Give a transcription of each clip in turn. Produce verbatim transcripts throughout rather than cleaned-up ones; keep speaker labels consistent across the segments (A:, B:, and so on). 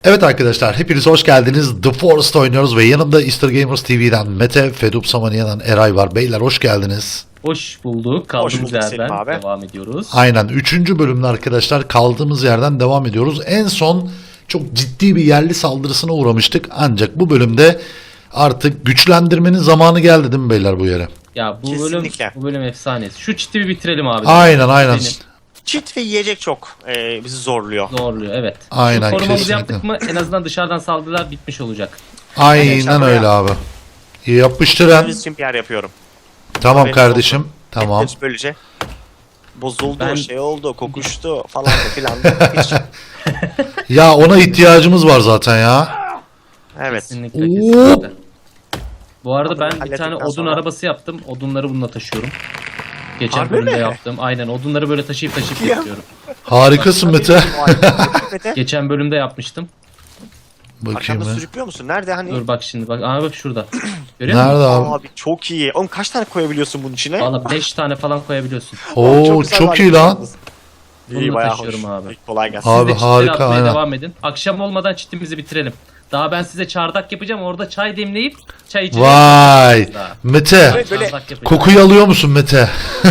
A: Evet arkadaşlar, hepiniz hoş geldiniz. The Forest oynuyoruz ve yanımda Easter Gamers T V'den Mete, Fedup Samaniye'den Eray var. Beyler hoş geldiniz.
B: Hoş bulduk. Kaldığımız
C: bulduk
B: yerden
C: Selim abi.
B: devam ediyoruz.
A: Aynen üçüncü bölümde arkadaşlar kaldığımız yerden devam ediyoruz. En son çok ciddi bir yerli saldırısına uğramıştık. Ancak bu bölümde artık güçlendirmenin zamanı geldi değil mi beyler bu yere?
B: Ya bu bölüm
C: Kesinlikle.
B: bu bölüm efsanesi. Şu çiti bir bitirelim abi.
A: Aynen aynen.
B: Benim
C: Çit ve yiyecek çok e, bizi zorluyor.
B: zorluyor evet.
A: Aynen,
B: Şu korumamızı
A: kesinlikle.
B: yaptık mı en azından dışarıdan saldırılar bitmiş olacak.
A: Aynen öyle abi. Yapıştıran.
C: Biz için bir yer yapıyorum.
A: Tamam
C: Haberiniz
A: kardeşim.
C: olsun.
A: Tamam.
C: Hepsi böylece bozuldu,
B: Ben-
C: şey oldu, kokuştu falan da filan. Hiç.
A: Ya ona ihtiyacımız var zaten ya.
C: Evet.
B: Kesinlikle
A: Oo.
B: kesinlikle. Bu arada ben bir
C: Hallettikten
B: tane odun
C: sonra-
B: arabası yaptım. Odunları bununla taşıyorum. Geçen
C: Harbi
B: bölümde
C: mi?
B: yaptım. Aynen odunları böyle taşıyıp taşıyıp
C: Ya.
B: getiriyorum.
A: Harikasın Mete.
C: Mete.
B: Geçen bölümde yapmıştım.
A: Bakayım
C: Arkanda
A: ya.
C: sürüklüyor musun? Nerede hani?
B: Dur bak şimdi bak. Aa bak şurada. Görüyor musun?
A: Nerede abi?
C: Abi çok iyi. Oğlum kaç tane koyabiliyorsun bunun içine?
B: Valla beş tane falan koyabiliyorsun.
A: Oo
C: güzel
A: çok
C: var.
A: iyi lan.
C: İyi
B: Bununla
C: bayağı
B: taşıyorum
C: hoş.
B: abi.
C: İyi, kolay gelsin.
A: Abi
B: Siz de çitleri
A: harika,
B: atmaya
A: aynen.
B: devam edin. Akşam olmadan çitimizi bitirelim. Daha ben size çardak yapacağım. Orada çay demleyip çay içeceğim.
A: Vay.
B: Daha.
A: Mete.
C: Böyle- böyle
B: Çardak yapacağım.
A: Kokuyu alıyor musun Mete?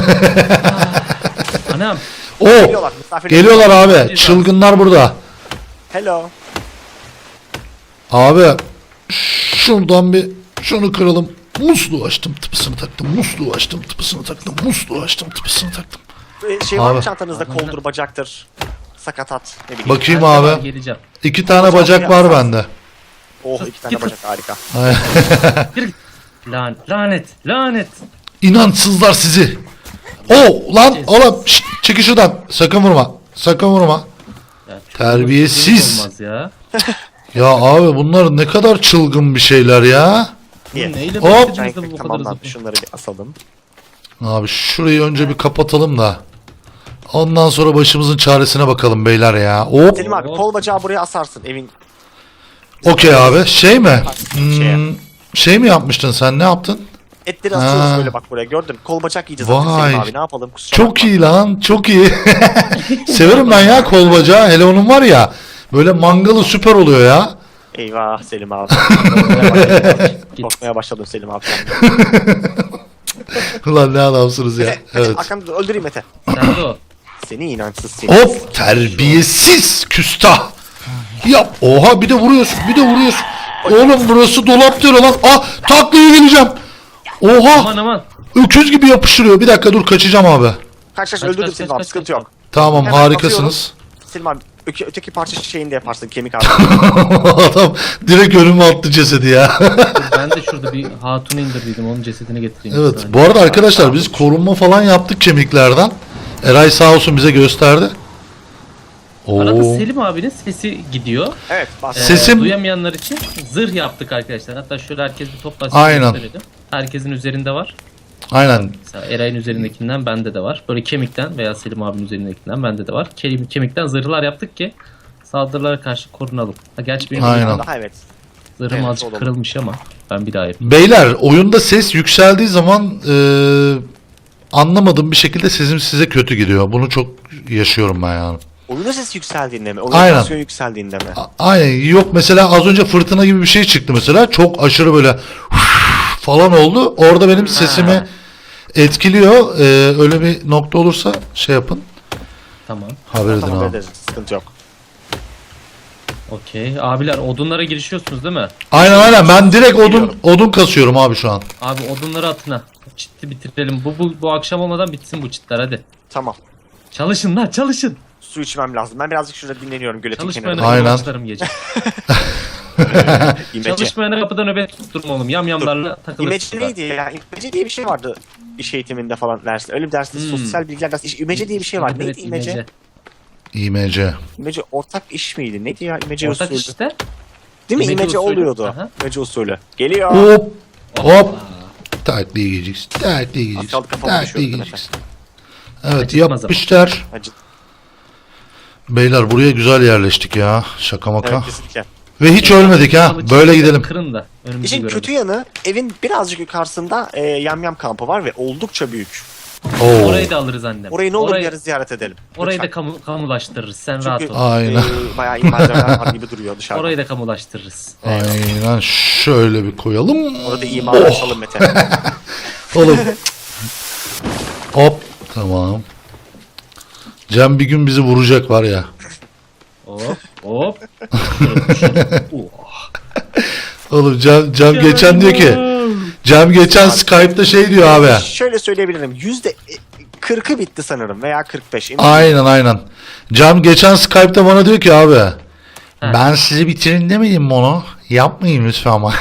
B: Anam.
A: O.
C: Geliyorlar, misafirler.
A: Geliyorlar abi.
B: Geliyorlar.
A: Çılgınlar burada.
C: Hello.
A: Abi şuradan bir şunu kıralım. Musluğu açtım, tıpısını taktım. Musluğu açtım, tıpısını taktım. Musluğu açtım, tıpısını taktım.
C: Ee, Şey var mı
A: Abi.
C: çantanızda koldur, bacaktır, sakatat, ne bileyim.
A: Bakayım
B: Ben de
A: abi.
B: Geleceğim.
A: İki tane bacak var bende.
C: Oh iki tane bacak harika.
B: Yürü git. Lan, lanet. Lanet.
A: İnansızlar sizi. O lan oğlum şşt, çekil şuradan. Sakın vurma. Sakın vurma.
B: Ya, çok
A: Terbiyesiz.
B: Olmaz ya.
A: Ya abi bunlar ne kadar çılgın bir şeyler ya.
B: Bu
C: İyi.
B: neyle
A: Hop.
B: beklediğinizde bu kadar
C: Tamamlandı.
B: hızlı?
C: Şunları bir asalım.
A: Abi şurayı önce bir kapatalım da. Ondan sonra başımızın çaresine bakalım beyler ya. Hop.
C: Selim abi kol bacağı buraya asarsın evin.
A: Okey abi. Şey mi?
C: Şeye.
A: Hmm, şey mi yapmıştın sen? Ne yaptın?
C: Etleri asıyoruz
A: Ha.
C: böyle bak buraya gördün. Kol bacak yiyeceğiz artık
A: Vay.
C: Selim abi ne yapalım kusura
A: Çok
C: bakma.
A: iyi lan. Çok iyi. Severim ben ya kol bacağı. Hele onun var ya. Böyle mangalı süper oluyor ya.
C: Eyvah Selim abi.
B: Git.
C: Korkmaya başladım Selim abi.
A: Ulan ne adamsınız ya.
C: Mete, Mete
A: Evet.
C: arkamda öldüreyim Mete.
B: Nerede o?
C: Seni inançsız seni.
A: Hop terbiyesiz küstah. Yap. Oha bir de vuruyorsun. Bir de vuruyorsun. Oğlum burası dolap diyor lan. Ah taklaya geleceğim. Oha.
B: Aman aman.
A: Öküz gibi yapıştırıyor. Bir dakika dur kaçacağım abi.
C: Kaç kaç
B: Kaç,
C: öldürdüm
B: kaç,
C: Selim
B: kaç,
C: abi
B: kaç,
C: sıkıntı
B: kaç.
C: yok.
A: Tamam
C: Hemen
A: harikasınız.
C: Selim abi öke, öteki parça şeyini de yaparsın kemik abi.
A: Adam direkt önüme attı cesedi ya.
B: Ben de şurada bir hatunu indirdiydim. Onun cesedini getireyim. bir
A: Evet
B: saniye.
A: bu arada arkadaşlar biz korunma falan yaptık kemiklerden. Eray sağ olsun bize gösterdi.
B: Arada
A: Oo.
B: Selim abinin sesi gidiyor.
C: Evet bas.
B: Ee,
A: Sesim-
B: Duyamayanlar için zırh yaptık arkadaşlar. Hatta şöyle herkes bir toplasın.
A: Aynen.
B: gösterelim. Herkesin üzerinde var.
A: Aynen.
B: Mesela Eray'ın üzerindekinden bende de var. Böyle kemikten veya Selim abinin üzerindekinden bende de var. Kelim, kemikten zırhlar yaptık ki saldırılara karşı korunalım. Ha, gerçi benim
A: Aynen.
C: Daha evet.
B: zırhım
C: Evet,
B: azıcık
C: olalım.
B: kırılmış ama ben bir daha yapayım.
A: Beyler oyunda ses yükseldiği zaman eee anlamadığım bir şekilde sesim size kötü gidiyor. Bunu çok yaşıyorum ben yani.
C: Oyunun sesi yükseldiğinde mi? Oyun
A: Aynen.
C: tansiyon yükseldiğinde mi?
A: A- Aynen yok mesela az önce fırtına gibi bir şey çıktı mesela. Çok aşırı böyle falan oldu. Orada benim sesimi etkiliyor. Eee, öyle bir nokta olursa şey yapın.
B: Tamam.
A: Haber edin
C: Tamam
A: abi.
C: ederiz. Sıkıntı yok.
B: Okey. Abiler odunlara girişiyorsunuz değil mi?
A: Aynen aynen ben direkt odun
C: Biliyorum.
A: odun kasıyorum abi şu an.
B: Abi odunları atına. Çitti bitirelim. Bu, bu, bu akşam olmadan bitsin bu çitler hadi.
C: Tamam.
B: Çalışın lan çalışın.
C: Su içmem lazım. Ben birazcık şurada dinleniyorum göletin
B: Çalışmayana
C: kenarında.
A: Aynen.
B: başlarım gece.
C: İmece.
B: Çalışmayana kapıda nöbet tutturma oğlum. Yamyamlarla takılırsın.
C: İmece neydi ya? İmece diye bir şey vardı iş eğitiminde falan ders. Öyle bir derste
B: Hmm.
C: sosyal bilgiler dersi. İş- İmece diye bir şey var.
B: Evet,
C: Neydi imece?
B: imece.
A: İmece.
C: İmece ortak iş miydi? Neydi ya imece
B: Ortak
C: usulü?
B: işte.
C: Değil mi?
B: İmece
C: İmece
B: usulü.
C: oluyordu.
B: Aha.
C: İmece usulü. Geliyor.
A: Hop hop. Takliye gideceksin. Takliye gideceksin.
C: kaldı kafama
A: Takliye
C: düşüyordu
A: gideceksin. Evet
B: Acıtmaz
A: yapmışlar.
C: Acı.
A: Beyler buraya güzel yerleştik ya. Şaka maka.
C: Evet kesinlikle.
A: Ve hiç ölmedik ha.
B: Kılıç
A: Böyle
B: çekip
A: gidelim.
B: Kırın da önümüzü
C: İşin
B: görelim.
C: kötü yanı evin birazcık yukarısında e, yamyam kampı var ve oldukça büyük.
A: Oo.
B: Orayı da alırız annem.
C: Orayı ne olur
B: orayı,
C: yarın ziyaret edelim.
B: orayı da
C: Lütfen.
B: kamu, kamulaştırırız. Sen
C: Çünkü
B: rahat ol.
A: Aynen.
C: e, bayağı imarlar var gibi duruyor dışarıda.
B: Orayı da kamulaştırırız.
A: Aynen şöyle bir koyalım.
C: Orada imarlar açalım Mete.
A: Oğlum. Hop. Tamam. Cem bir gün bizi vuracak var ya.
B: Hop hop. Oh.
A: Oğlum Cem, Cem geçen diyor ki. Cem geçen Skype'da şey diyor abi.
C: Şöyle söyleyebilirim. Yüzde kırkı bitti sanırım veya kırk beş. emin
A: Aynen aynen. Cem geçen Skype'da bana diyor ki abi. Ben sizi bitirin demedim mi onu? Yapmayın lütfen ama.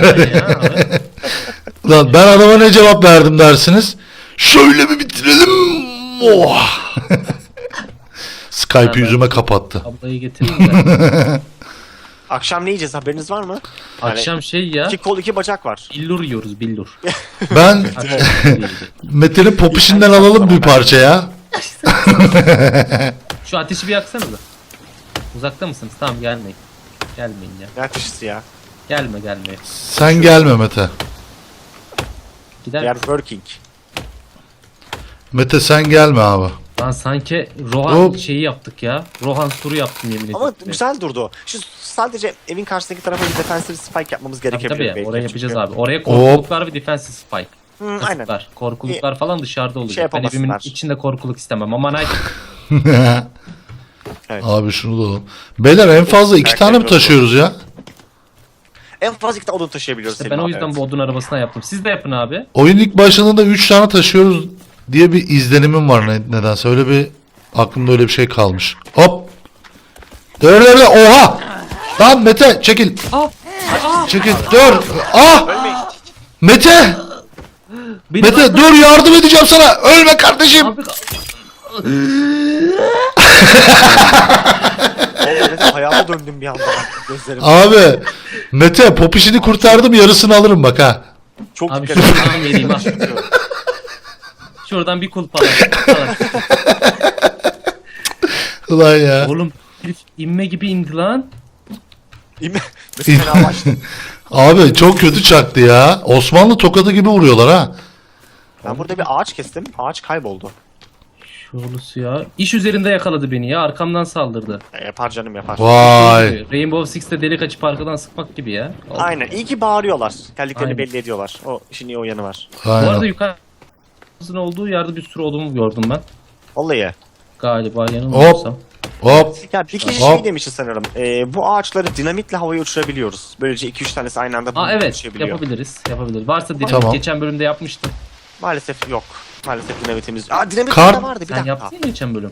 A: Lan ben adama ne cevap verdim dersiniz? Şöyle mi bitirelim? Oh. Skype'ı
B: ben-
A: yüzüme kapattı.
B: Ablayı getireyim de.
C: Akşam ne yiyeceğiz haberiniz var mı?
B: Akşam şey ya.
C: İki kol iki bacak var.
B: Billur yiyoruz billur.
A: Ben
B: Akşam
A: Mete'nin popişinden alalım bir parça ya.
B: Şu ateşi bir yaksanıza. Uzakta mısınız? Tamam gelmeyin. Gelmeyin ya.
C: Ne ateşisi ya?
B: Gelme gelme.
A: Sen gelme Mete.
B: Gider
C: They are
B: misin?
C: working.
A: Mete sen gelme abi.
B: Lan sanki Rohan
A: Hop.
B: şeyi yaptık ya. Rohan turu yaptım yemin ederim.
C: Ama güzel durdu. Şu sadece evin karşısındaki tarafa bir defensive spike yapmamız
B: Tabii
C: gerekebilir.
B: tabii
C: belki.
B: oraya yapacağız
C: Çünkü-
B: abi. Oraya korkuluklar ve defensive spike.
C: Hı, aynen.
B: Kasıklar, korkuluklar falan dışarıda olacak.
C: Şey
B: ben evimin
C: yapamasınlar.
B: içinde korkuluk istemem. Aman ay.
C: Evet.
A: Abi şunu da alalım. Beyler en fazla iki
C: Karakter
A: tane mi
C: yok.
A: taşıyoruz ya?
C: En fazla iki tane odun taşıyabiliyoruz.
B: İşte
C: Selim
B: ben o
C: abi,
B: yüzden
C: evet.
B: bu odun arabasına yaptım. Siz de yapın abi.
A: Oyun ilk başladığında üç tane taşıyoruz diye bir izlenimim var ne, nedense. Öyle bir aklımda öyle bir şey kalmış. Hop. Dur dur dur. Oha. Lan Mete çekil.
B: Aa! Aa!
A: Çekil. Dur. Ah.
C: Ölmeyin.
A: Mete.
B: Beni
A: Mete dur yardım edeceğim sana. Ölme kardeşim.
B: Abi,
C: Oğlum Mete hayata döndüm bir anda. Gözlerim.
A: Abi. Mete popişini kurtardım yarısını alırım bak ha.
C: Çok
B: abi
C: dikkat
B: şuradan vereyim ha. Şuradan bir kulp alalım. Alalım.
A: Ulan ya.
B: Oğlum herif inme gibi indi lan.
C: İme. Mete fena başladı.
A: Abi çok kötü çaktı ya. Osmanlı tokadı gibi vuruyorlar ha.
C: Ben burada bir ağaç kestim. Ağaç kayboldu.
B: Şurası ya. İş üzerinde yakaladı beni ya. Arkamdan saldırdı.
C: E, yapar canım yapar.
A: Vay.
B: Rainbow Six'te delik açıp arkadan sıkmak gibi ya.
C: Aynen. İyi ki bağırıyorlar. Geldiklerini
B: Aynen.
C: belli ediyorlar. O işin iyi o yanı var.
B: Bu arada
A: Aynen.
B: yukarısının olduğu yerde bir sürü odun gördüm ben.
C: Vallahi.
B: Galiba yanılmıyorsam.
A: Hop.
C: Ya bir kişi
A: Hop.
C: şey demişti sanırım. E, bu ağaçları dinamitle havaya uçurabiliyoruz. Böylece iki üç tanesi aynı anda
B: Aa evet
C: uçabiliyor.
B: yapabiliriz. Yapabiliriz. Varsa dinamit
A: Tamam.
B: geçen bölümde yapmıştım.
C: Maalesef yok. Maalesef dinamitimiz. Aa dinamit
A: Kar-
C: de vardı bir
B: Sen
C: dakika.
B: yaptın ya geçen bölüm.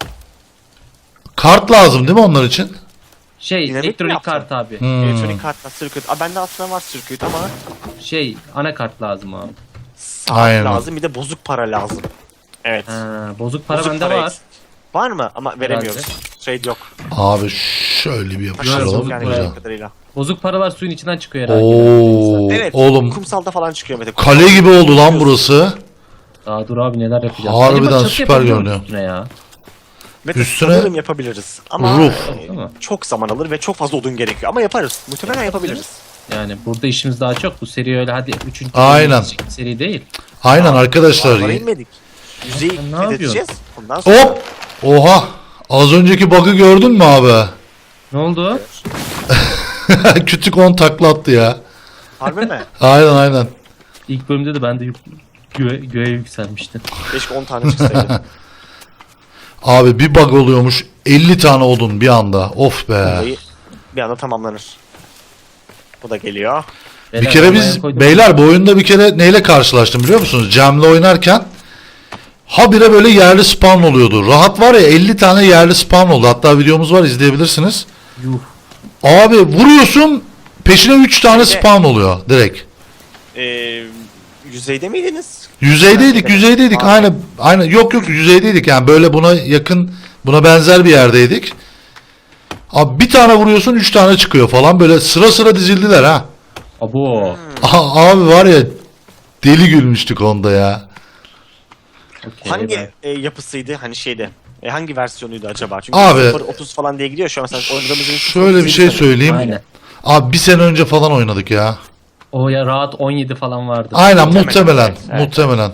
A: Kart lazım değil mi onlar için?
B: Şey
C: Dinamit mi
B: elektronik
C: yaptın?
B: kart abi.
A: Hmm.
C: Elektronik kartla circuit. Aa bende aslında var circuit ama
B: Şey anakart lazım abi.
C: saat
A: Aynen.
C: lazım bir de bozuk para lazım. Evet.
B: Ha, bozuk para
C: Bozuk
B: bende
C: para
B: var.
C: eksik. Var mı? Ama veremiyoruz. Trade yok.
A: Abi şöyle bir yapıştıralım.
B: bozuk
C: yani
B: para.
A: Güzel.
C: bildiğim kadarıyla.
B: Bozuk paralar suyun içinden çıkıyor herhalde.
A: Oo,
C: Evet.
A: oğlum
C: Kumsalda falan çıkıyor Mete.
A: kale gibi oldu lan burası.
B: Daha dur abi neler yapacağız.
A: Harbiden
B: Acaba çatı
A: süper
B: yapabiliyor
A: görünüyor.
B: muyuz üstüne ya.
C: Mete
A: Üstüne-
C: sanırım yapabiliriz. Ama
A: Roof.
C: e,
B: Değil mi?
C: çok zaman alır ve çok fazla odun gerekiyor. Ama yaparız. Muhtemelen yapabiliriz.
B: Yani burada işimiz daha çok. Bu seri öyle hadi üçüncü
A: Aynen.
B: seri değil.
A: Aynen arkadaşlar.
C: Dağlara inmedik. Yüzeyi
B: Sen ne
C: fethedeceğiz. Ondan sonra
A: Hop. Oha. Az önceki bug'ı gördün mü abi?
B: Ne oldu?
A: Kütük on takla attı ya.
C: harbi mi?
A: Aynen aynen.
B: İlk bölümde de ben de yük, göğe, göğe yükselmiştim.
C: Keşke on tane çıksaydı.
A: Abi bir bug oluyormuş. elli tane odun bir anda. Of be.
C: Olayı bir anda tamamlanır. Bu da geliyor.
A: Bir kere biz
B: koydum.
A: beyler bu oyunda bir kere neyle karşılaştım biliyor musunuz? Cem'le oynarken habire böyle yerli spawn oluyordu. Rahat var ya elli tane yerli spawn oldu. Hatta videomuz var izleyebilirsiniz.
B: Yuh.
A: Abi vuruyorsun peşine üç tane
C: Şimdi-
A: spawn oluyor direkt.
C: Ee, yüzeyde miydiniz?
A: Yüzeydeydik, yüzeydeydik.
C: Aa.
A: Aynı aynı yok yok yüzeydeydik. Yani böyle buna yakın, buna benzer bir yerdeydik. Abi bir tane vuruyorsun üç tane çıkıyor falan böyle sıra sıra dizildiler ha.
B: Abo.
A: Aha, abi var ya deli gülmüştük onda ya.
B: Okey,
C: Hangi
B: ben-
C: e, yapısıydı? Hani şeyde. E, hangi versiyonuydu acaba? Çünkü
A: Abi-
C: sıfır otuz falan diye gidiyor şu an. Mesela oynadığımız
A: Şöyle bir şey söyleyeyim.
B: Aynen.
A: Abi bir sene önce falan oynadık ya.
B: O ya rahat on yedi falan vardı.
A: Aynen
C: Muhtemelen,
A: muhtemelen.
C: evet, evet.
A: Muhtemelen.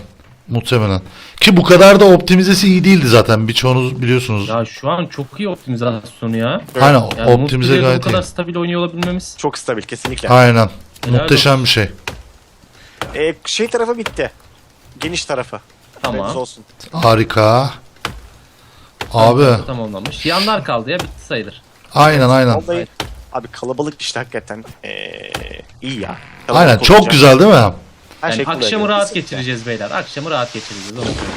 A: Muhtemelen. Ki bu kadar da optimizesi iyi değildi zaten. Birçoğunuz biliyorsunuz.
B: Ya şu an çok iyi optimizasyonu ya.
A: Aynen
B: Yani
A: optimize
B: multiplayer'da
A: gayet
B: bu kadar
A: iyi.
B: stabil oynuyor olabilmemiz.
C: Çok stabil kesinlikle.
A: Aynen.
B: Helal
A: Muhteşem bir şey.
C: Ee, şey tarafı bitti. Geniş tarafı.
B: Tamam.
C: Haberiniz olsun.
A: Harika. Abi.
B: Tamamlanmış. Yanlar kaldı ya, bitti sayılır.
A: Aynen aynen.
C: Vallahi abi kalabalık işte hakikaten. Ee, iyi ya. Kalabalık
A: Aynen çok
C: olunca
A: güzel değil mi?
C: her
B: Yani
C: şey kolay
B: akşamı
C: oluyor.
B: rahat
C: Kesinlikle.
B: geçireceğiz beyler. Akşamı rahat geçireceğiz. Onu söyleyeyim.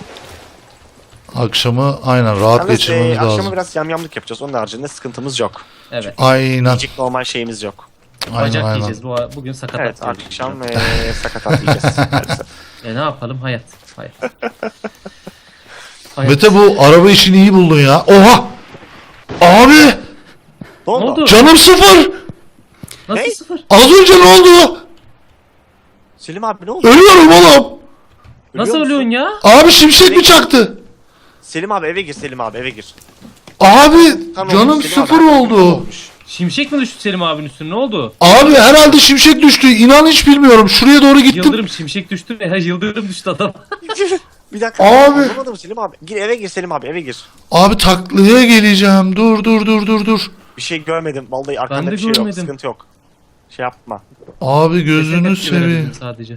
A: Akşamı aynen rahat
C: Yalnız,
A: geçirmemiz
C: e, akşamı
A: lazım.
C: biraz yamyamlık yapacağız. Onun haricinde sıkıntımız yok.
B: Evet.
A: Aynen.
C: Yiyecek normal şeyimiz yok.
A: Aynen
B: Bacak
A: aynen.
B: yiyeceğiz. Bu, bugün sakat
C: Evet
B: at yiyoruz.
C: akşam e, sakatat yiyeceğiz. maalesef.
B: E ne yapalım? Hayat. Hayat. Hayat.
A: Mete bu araba işini iyi buldun ya. Oha! Abi!
C: Ne
B: Ne
C: oldu?
B: oldu?
A: Canım sıfır!
B: Nasıl
C: Ne?
B: sıfır?
A: Az önce ne oldu?
C: Selim abi ne oldu?
A: Ölüyorum oğlum.
B: Nasıl
C: Ölüyor
B: ölüyorsun
C: musun?
B: ya?
A: Abi şimşek mi çaktı?
C: Selim abi eve gir Selim abi eve gir.
A: Abi
C: Tam
A: canım
C: olmuş, Selim abi,
A: sıfır
C: hakikaten
A: oldu.
C: olmuş.
B: Şimşek mi düştü Selim abinin üstüne? Ne oldu?
A: Abi herhalde şimşek düştü. İnan hiç bilmiyorum. Şuraya doğru gittim.
B: Yıldırım şimşek düştü veya yıldırım düştü adam.
C: Bir dakika.
A: Abi.
C: Anlamadım Selim abi. Gir eve gir Selim abi eve gir.
A: Abi taklaya geleceğim. Dur dur dur dur dur.
C: Bir şey görmedim. Vallahi arkanda
B: de
C: bir şey yok.
B: görmedim.
C: Sıkıntı yok. Şey yapma.
A: Abi gözünü
B: Tepki verebildim
A: seveyim.
B: sadece.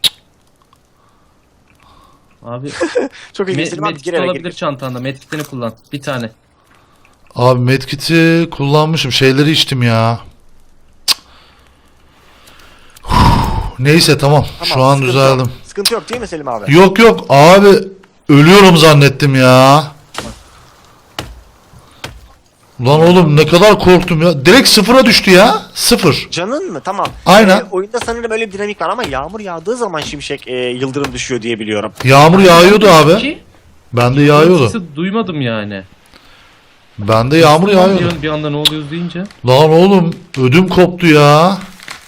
B: Abi
C: Çok iyi
B: me-
C: Selim abi
B: medkit
C: gir eve
B: olabilir
C: gir.
B: çantanda. Medkitini kullan. Bir tane.
A: Abi medkit'i kullanmışım. Şeyleri içtim ya. Cık. Huh, neyse tamam.
C: Tamam,
A: Şu an
C: sıkıntı
A: düzeldim.
C: Yok. Sıkıntı yok değil mi Selim abi?
A: Yok yok abi. Ölüyorum zannettim ya. Lan oğlum ne kadar korktum ya. Direkt sıfıra düştü ya. Sıfır.
C: Canın mı? Tamam.
A: Aynen.
C: Ee, oyunda sanırım öyle bir dinamik var ama yağmur yağdığı zaman şimşek e, yıldırım düşüyor diye biliyorum.
A: Yağmur yağıyordu abi.
B: Ki,
A: Bende yağıyordu.
B: sesi duymadım yani.
A: Bende yağmur
B: Bir,
A: yağıyordu.
B: an- bir anda ne oluyoruz deyince.
A: Lan oğlum ödüm koptu ya.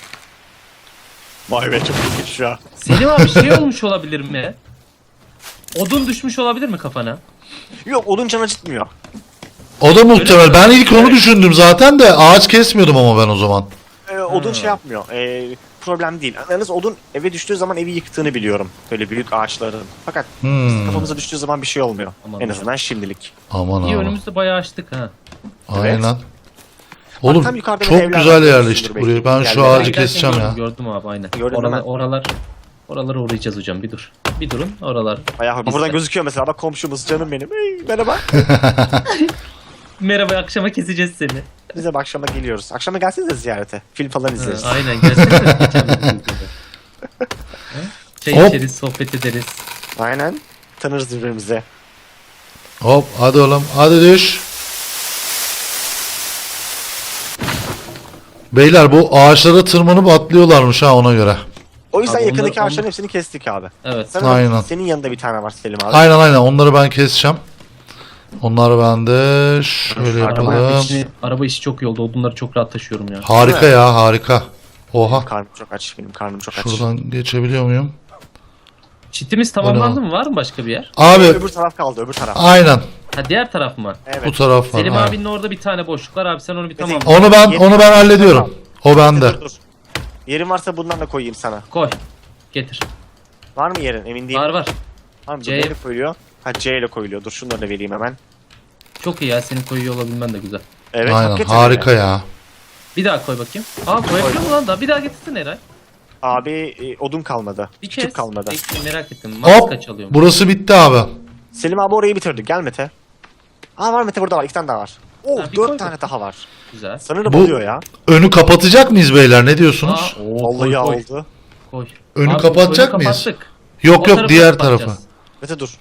C: Vay be çok ilginç ya.
B: Selim abi şey olmuş olabilir mi? Odun düşmüş olabilir mi kafana?
C: Yok odun can acıtmıyor.
A: O da muhtemel. Ben ilk onu
C: Evet.
A: düşündüm zaten de ağaç kesmiyordum ama ben o zaman.
C: Ee, odun
B: Ha.
C: şey yapmıyor. Ee, problem değil. Yalnız odun eve düştüğü zaman evi yıktığını biliyorum. Böyle büyük ağaçların. Fakat
A: Hmm.
C: kafamıza düştüğü zaman bir şey olmuyor.
B: Aman
C: en
B: ya.
C: azından şimdilik.
A: Aman
B: İyi
A: aman.
B: önümüzde bayağı açtık ha.
A: Aynen. Oğlum
C: tam yukarıda
A: çok
C: böyle evler
A: güzel
C: var,
A: yerleştik
C: belki.
A: buraya. Ben şu
C: Yerler-
A: ağacı
B: Giderken
A: keseceğim
B: gördüm,
A: ya.
B: Gördüm abi aynen.
C: Gördün
B: Oralar,
C: mü?
B: oralar, oralara uğrayacağız hocam bir dur. Bir durun oralar.
C: Bayağı
B: Biz
C: buradan
B: de-
C: gözüküyor mesela bak komşumuz canım benim. Hey, merhaba.
B: Merhaba akşama keseceğiz seni.
C: Biz de akşama geliyoruz. Akşama gelsenize ziyarete. Film falan
B: Ha,
C: izleriz.
B: aynen gelsene. geçen bir gün gibi. Ha? Çay
A: Hop.
B: içeriz, sohbet ederiz.
C: Aynen. Tanırız birbirimizi.
A: Hop hadi oğlum hadi düş. Beyler bu ağaçlara tırmanıp atlıyorlarmış ha ona göre.
C: O yüzden
B: Abi
C: yakındaki
B: onlar-
C: ağaçların
B: onlar-
C: hepsini kestik abi.
B: Evet.
C: Sanırım
A: Aynen.
C: senin yanında bir tane var Selim abi.
A: Aynen aynen onları ben keseceğim. Onları ben de şöyle
C: Araba
B: Araba
A: yapalım.
B: işi, araba işi çok iyi oldu. Odunları çok rahat taşıyorum ya.
A: Harika ya harika. Oha.
C: Karnım çok aç. Benim karnım çok aç.
A: Şuradan geçebiliyor muyum?
B: Çitimiz tamamlandı mı? Var mı başka bir yer?
A: Abi
C: Öbür taraf kaldı öbür taraf.
A: aynen
B: Ha diğer taraf mı?
C: Evet.
A: bu taraf var.
B: Selim
A: aynen.
B: abinin orada bir tane boşluk var abi sen onu bir tamam.
A: Onu ben onu ben hallediyorum. O bende.
C: Dur, dur. Yerin varsa bundan da koyayım sana.
B: Koy. Getir.
C: Var mı yerin? Emin değilim.
B: Var var.
C: Var mı?
B: C.
C: Neyle koyuluyor? Ha C ile koyuluyor. Dur şunları da vereyim hemen.
B: Çok iyi ya senin koyuyor olabilmen de güzel.
C: Evet.
A: Aynen
C: hakikaten
A: harika
C: öyle.
A: ya.
B: Bir daha koy bakayım. Aa koyabiliyor mu lan da? Bir daha getirsin Eray.
C: Abi e, odun kalmadı.
B: Bir
C: Küçük
B: kez.
C: kalmadı.
B: Bekle, merak ettim. Max
A: Hop
B: kaç alıyor?
A: burası bitti abi.
C: Selim abi orayı bitirdi. Gel Mete. Aa var Mete burada var. İki tane daha var. Oo
B: Ha, bir koy
C: dört tane
B: bakayım.
C: daha var.
B: Güzel.
C: Sanırım
A: Bu-
C: oluyor ya.
A: Önü kapatacak mıyız beyler ne diyorsunuz?
B: Aa, oo,
C: Vallahi
B: koy, koy,
C: oldu.
B: koy.
A: Önü
B: Abi,
A: kapatacak
B: önü
A: mıyız?
B: kapattık.
A: Yok
B: O
A: yok
B: tarafı
A: diğer
B: kapatacağız.
A: tarafı.
C: Mete dur.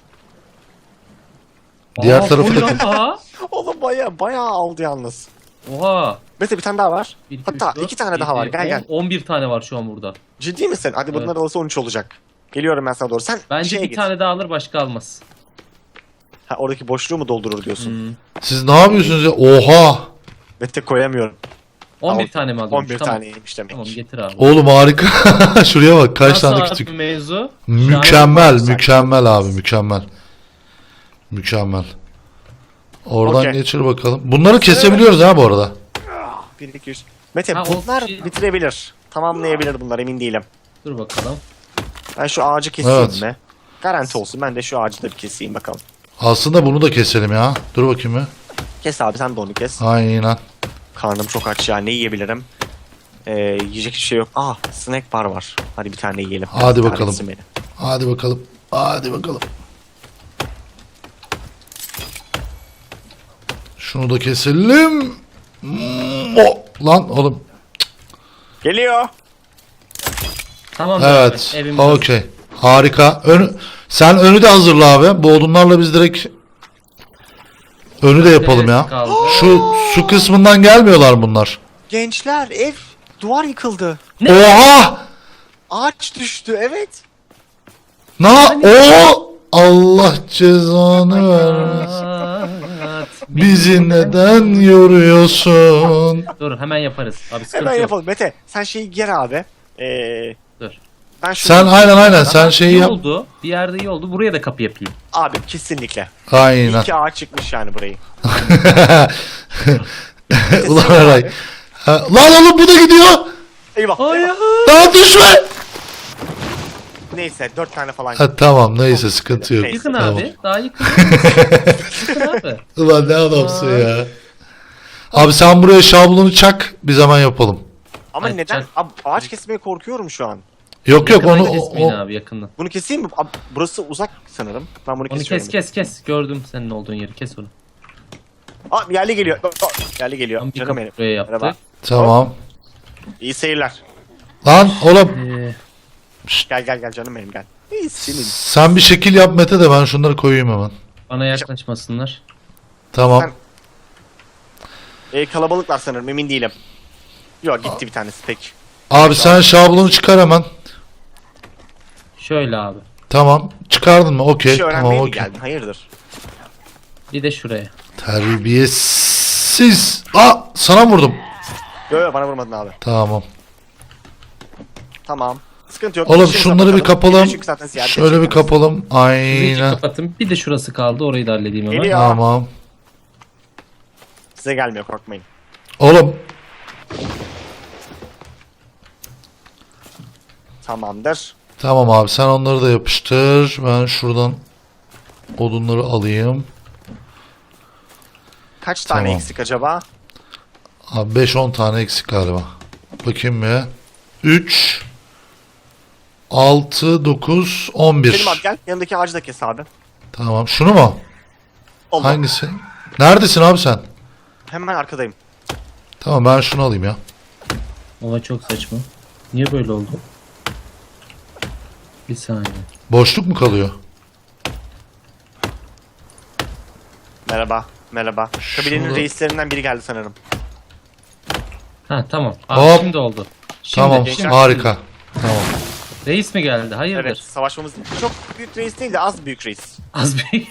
A: Diğer
B: Aa,
A: tarafı
B: koy
A: da-
B: lan daha.
C: Oğlum baya baya aldı yalnız.
B: Oha.
C: Mete bir tane daha var.
B: Bir, iki,
C: Hatta
B: üç, dört,
C: iki tane daha var.
B: yedi,
C: Gel
B: on-
C: gel.
B: on bir tane var şu an burada.
C: Ciddi misin? Hadi bunlar
B: Evet.
C: olsa on üç olacak. Geliyorum ben sana doğru. Sen
B: Bence
C: şeye
B: bir
C: git.
B: tane daha alır başka almaz.
C: Ha, oradaki boşluğu mu doldurur diyorsun?
B: Hmm.
A: Siz ne yapıyorsunuz ya? Oha.
C: Mete koyamıyorum.
B: on bir
C: Al,
B: tane mi alıyormuş?
C: on bir
B: tamam.
C: taneymiş demek.
B: Tamam getir abi.
A: Oğlum harika. Şuraya bak kaç
B: Nasıl
A: tane
B: abi
A: küçük.
B: mevzu?
A: Mükemmel,
C: Güzel.
A: mükemmel abi, mükemmel. Mükemmel. Oradan
C: Okey.
A: geçir bakalım. Bunları kesebiliyoruz ha bu arada.
C: bir iki üç. Mete
B: Ha, o
C: bunlar
B: şey-
C: bitirebilir. Tamamlayabilir bunlar emin değilim.
B: Dur bakalım.
C: Ben şu ağacı keseyim
A: Evet.
C: mi? Garanti olsun. Ben de şu ağacı da bir keseyim bakalım.
A: Aslında bunu da keselim ya. Dur bakayım bir.
C: Kes abi, sen de onu kes.
A: Aynen.
C: Karnım çok aç ya. Ne yiyebilirim? Ee, yiyecek bir şey yok. Aa, snack bar var. Hadi bir tane yiyelim.
A: Hadi
C: Bir
A: bakalım.
C: tanesi beni.
A: Hadi bakalım. Hadi bakalım. Şunu da keselim. Hmm, o lan oğlum.
C: Geliyor.
B: Tamam.
A: Evet.
B: Evimiz hazır.
A: Okey. Harika. Önü, sen önü de hazırla abi. Bu odunlarla biz direkt önü de yapalım ya.
B: Neresi kaldı?
A: Şu su kısmından gelmiyorlar bunlar.
C: Gençler, ev duvar yıkıldı.
A: Oha!
C: Ağaç düştü. Evet.
A: Na o Allah cezanı vermesin.
B: Aa,
A: Bizi neden yoruyorsun?
B: Dur hemen yaparız. Abi sıkıntı
C: Hemen
B: yok.
C: yapalım. Mete, sen şeyi ger abi. Ee,
B: Dur.
C: ben şunu...
A: Sen aynen aynen sen şeyi
B: İyi
A: yap.
B: oldu. Bir yerde iyi oldu. Buraya da kapı yapayım.
C: Abi kesinlikle.
A: Aynen.
C: İki ağaç çıkmış yani burayı.
A: Ulan Eray. Ha, lan oğlum bu da gidiyor.
C: Eyvah.
B: Hayır.
C: eyvah.
A: Daha düşme.
C: Neyse, dört tane falan.
A: Ha, tamam neyse sıkıntı yok.
B: Yıkın
A: Tamam.
B: abi. Daha yıkın. Yıkın abi.
A: Ulan ne adamsın ya. Abi sen buraya şablonu çak biz hemen yapalım.
C: Ama
B: Ay,
C: neden?
B: çak-
C: Abi, ağaç kesmeye korkuyorum şu an.
A: Yok yok
B: Yakından
A: onu
B: kesmeyin
A: o,
B: abi yakından.
C: Bunu keseyim mi? Abi, burası uzak sanırım. Ben bunu
B: Onu
C: kesiyorum.
B: kes kes kes. Gördüm senin olduğun yeri. Kes onu.
C: Aa, yerli geliyor. Aa, yerli geliyor.
B: Tam bir
C: Canım
B: kapı
C: benim.
B: buraya yaptık.
C: Merhaba.
A: tamam.
C: İyi seyirler.
A: Lan oğlum
B: Ee,
C: Gel gel gel canım benim gel. İyi senin.
A: sen bir şekil yap Mete de ben şunları koyayım hemen.
B: bana yaklaşmasınlar.
A: Tamam.
C: Sen- Ee, kalabalıklar sanırım, emin değilim. Yok, gitti bir tanesi pek.
A: Abi sen şablonu çıkar hemen.
B: Şöyle abi.
A: Tamam. Çıkardın mı?
C: Bir
A: Okey.
C: şey öğrenmeye
A: Tamam
C: mi
A: okey.
C: geldin? Hayırdır?
B: Bir de şuraya.
A: Terbiyesiz. Aa sana vurdum.
C: Yok yok, bana vurmadın abi.
A: Tamam.
C: Tamam. Sıkıntı yok.
A: Oğlum
C: İşimize
A: şunları bir
C: bakalım.
A: kapalım.
C: Çünkü zaten ziyaret
A: Şöyle bir
C: edeceksiniz.
A: kapalım.
B: Şurayı
A: Aynen.
B: kapatın. Bir de şurası kaldı. Orayı da halledeyim hemen.
C: Geliyor.
A: Tamam.
C: Size gelmiyor, korkmayın.
A: Oğlum
C: Tamamdır.
A: tamam abi sen onları da yapıştır. Ben şuradan odunları alayım.
C: Kaç tane
A: Tamam.
C: eksik acaba?
A: Abi beş on tane eksik galiba. Bakayım bir. üç altı dokuz on bir.
C: Selim abi gel, yanındaki ağacı da kes abi.
A: Tamam. Şunu mu?
C: Allah.
A: Hangisi? Neredesin abi sen?
C: Hemen arkadayım.
A: Tamam ben şunu alayım ya.
B: Oha çok saçma. Niye böyle oldu? Bir saniye.
A: Boşluk mu kalıyor?
C: Merhaba. Merhaba. Kabilenin
A: Şurada-
C: reislerinden biri geldi sanırım.
B: Ha tamam. Abi
A: Hop.
B: şimdi oldu. Şimdi,
A: Tamam.
B: şimdi.
A: Harika. Tamam.
B: Reis mi geldi? Hayırdır?
C: Evet, savaşmamız çok büyük reis değil de az büyük reis.
B: Az bir.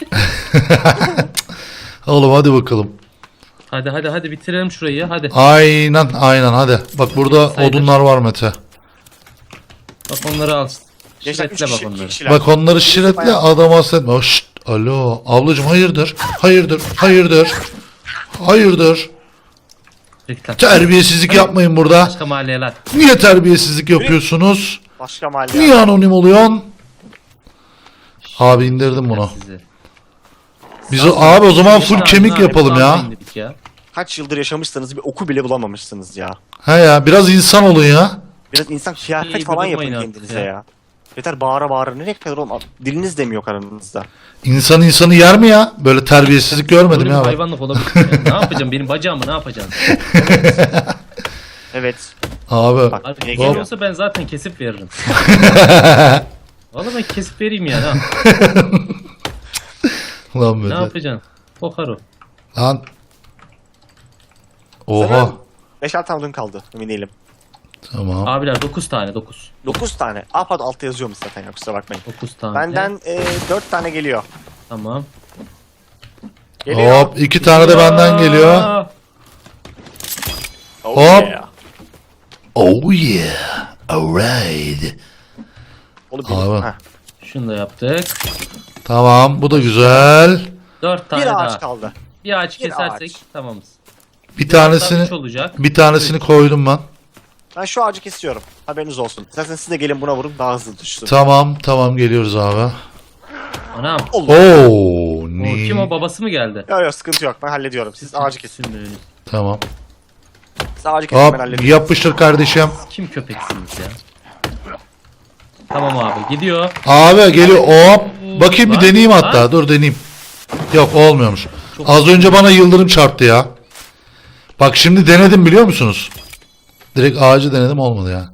A: Oğlum hadi bakalım.
B: hadi hadi hadi bitirelim şurayı. Hadi.
A: Aynen aynen hadi. Bak burada
B: Sayılır.
A: odunlar var Mete.
B: Bak onları al.
C: Gençler, üç
B: Şiretle bak
C: kişi, iki
B: onları.
C: kişiler.
A: Bak onları şiretle
C: Bayağı-
A: adam hasretme. Oh, şşt, alo ablacım hayırdır? Hayırdır? Hayırdır? Hayırdır?
B: Reklam.
A: Terbiyesizlik yapmayın burada.
B: Başka mahalleler.
A: Niye terbiyesizlik yapıyorsunuz?
C: Başka mahalle.
A: Niye anonim oluyorsun? Abi indirdim bunu.
B: Sizi.
A: Biz o, abi o zaman full
B: Sağ-
A: kemik
B: sağ-
A: yapalım
B: sağ-
A: ya.
B: indirdik ya.
C: Kaç yıldır yaşamışsınız, bir oku bile bulamamışsınız ya.
A: He ya biraz insan olun ya.
C: Biraz insan kıyafet
B: İyi,
C: falan
B: bir
C: yapın
B: durmayın artık
C: kendinize
B: ya.
C: ya. Yeter bağıra bağıra, nereye kadar oğlum? Diliniz de mi yok aranızda?
A: İnsan insanı yer mi ya? Böyle terbiyesizlik görmedim
B: Böyle
A: ya
B: bir
A: ben.
B: hayvanlık olabilir. mi ya? Ne yapacağım? Benim bacağımı ne yapacaksın?
C: Evet.
A: Abi.
C: Bak
B: Abi
C: yine
B: bir
C: geliyor.
B: olsa ben zaten kesip veririm. Vallahi ben kesip vereyim ya. Ne,
A: Lan
B: ne
A: Mete.
B: yapacaksın? Kokar o.
A: Lan. Oha.
C: Sanırım beş altı tane odun kaldı, emin değilim.
A: Tamam.
B: Abiler dokuz tane dokuz.
C: dokuz tane. Aa pardon, altta yazıyormuş zaten ya, kusura bakmayın.
B: dokuz tane.
C: Benden e, dört tane geliyor.
B: Tamam.
C: Geliyor.
A: Hop iki tane de benden geliyor.
B: Aa,
C: Oh
A: Hop.
C: yeah.
A: Oh yeah. Alright.
C: Onu benim.
A: Abi.
C: Heh.
B: Şunu da yaptık.
A: Tamam bu da güzel.
B: Dört tane
C: Bir
B: daha.
C: ağaç kaldı.
B: Bir ağaç
C: Bir
B: kesersek
C: ağaç.
B: tamamız.
A: Bir
B: Üç
A: tanesini
B: olacak.
A: bir tanesini koydum ben.
C: Ben şu ağacı kesiyorum. Haberiniz olsun. Zaten siz de gelin buna vurun, daha hızlı düşsün.
A: Tamam tamam geliyoruz abi.
B: Anam.
C: Allah.
A: Oo,
B: O,
A: ni.
B: kim o, babası mı geldi?
C: Yok yok sıkıntı yok ben hallediyorum. Siz ağacı kesin.
B: Sümüğünü.
A: Tamam.
C: Siz ağacı kesin ben
A: Hop
C: hallediyorum.
A: yapıştır kardeşim.
B: Kim köpeksiniz ya? Tamam abi, gidiyor.
A: Abi geliyor. Hop. Bakayım bir
B: Lan,
A: deneyeyim
B: lan.
A: hatta. Dur deneyeyim. Yok olmuyormuş.
B: Çok-
A: Az önce bana yıldırım çarptı ya. Bak şimdi denedim biliyor musunuz? Direkt ağacı denedim olmadı ya.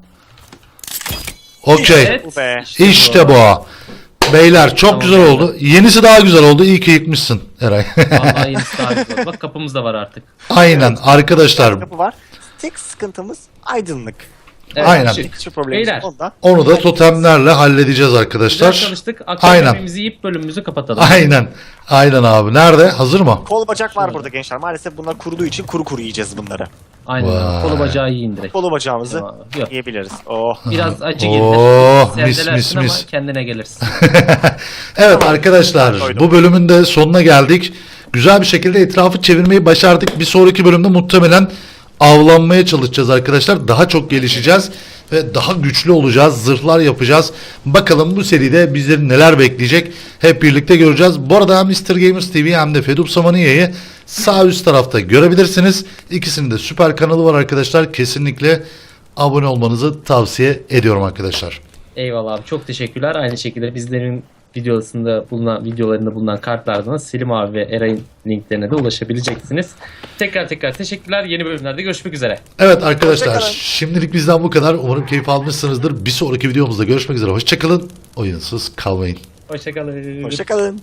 A: Okey.
B: Evet.
C: Bu be.
A: İşte bu. Beyler çok
B: Tamam,
A: güzel
B: beyler.
A: oldu. Yenisi daha güzel oldu. İyi ki yıkmışsın Eray.
B: Vallahi yenisi daha güzel oldu. Bak kapımız da var artık.
A: Aynen arkadaşlar.
C: Kapı var. Tek sıkıntımız aydınlık.
B: Evet,
A: Aynen.
B: şimdi
C: Hiçbir problemimiz
B: Beyler.
C: yok onda.
A: Onu da totemlerle halledeceğiz
B: Güzel
A: arkadaşlar.
B: çalıştık. Akşam
A: Aynen.
B: yemeğimizi yiyip bölümümüzü kapatalım.
A: Aynen. Aynen abi. Nerede? Hazır mı?
C: Kol bacak var
B: Şurada.
C: burada gençler. Maalesef bunlar kuruduğu için kuru kuru yiyeceğiz bunları.
B: Aynen
A: Vay.
B: abi. Kolu bacağı yiyin direkt.
C: Kolu bacağımızı
B: Tamam abi. Yok.
C: yiyebiliriz. Oh.
B: Biraz acı gelir.
A: Oh, mis,
B: Sevdelersin
A: mis,
B: ama
A: mis.
B: kendine gelirsin.
A: Evet arkadaşlar
C: Koydum.
A: bu bölümün de sonuna geldik. Güzel bir şekilde etrafı çevirmeyi başardık. Bir sonraki bölümde muhtemelen avlanmaya çalışacağız arkadaşlar. Daha çok gelişeceğiz ve daha güçlü olacağız. Zırhlar yapacağız. Bakalım bu seride bizleri neler bekleyecek. Hep birlikte göreceğiz. Bu arada hem mister Gamers T V hem de Fedup Samaniya'yı sağ üst tarafta görebilirsiniz. İkisinin de süper kanalı var arkadaşlar. Kesinlikle abone olmanızı tavsiye ediyorum arkadaşlar.
B: Eyvallah abi, çok teşekkürler. Aynı şekilde bizlerin videosunda bulunan videolarında bulunan kartlardan Selim abi ve Eray'ın linklerine de ulaşabileceksiniz. Tekrar tekrar teşekkürler. Yeni bölümlerde görüşmek üzere.
A: Evet arkadaşlar
C: Hoşçakalın.
A: şimdilik bizden bu kadar. Umarım keyif almışsınızdır. Bir sonraki videomuzda görüşmek üzere. Hoşçakalın. Oyunsuz kalmayın.
B: Hoşçakalın.
C: Hoşçakalın.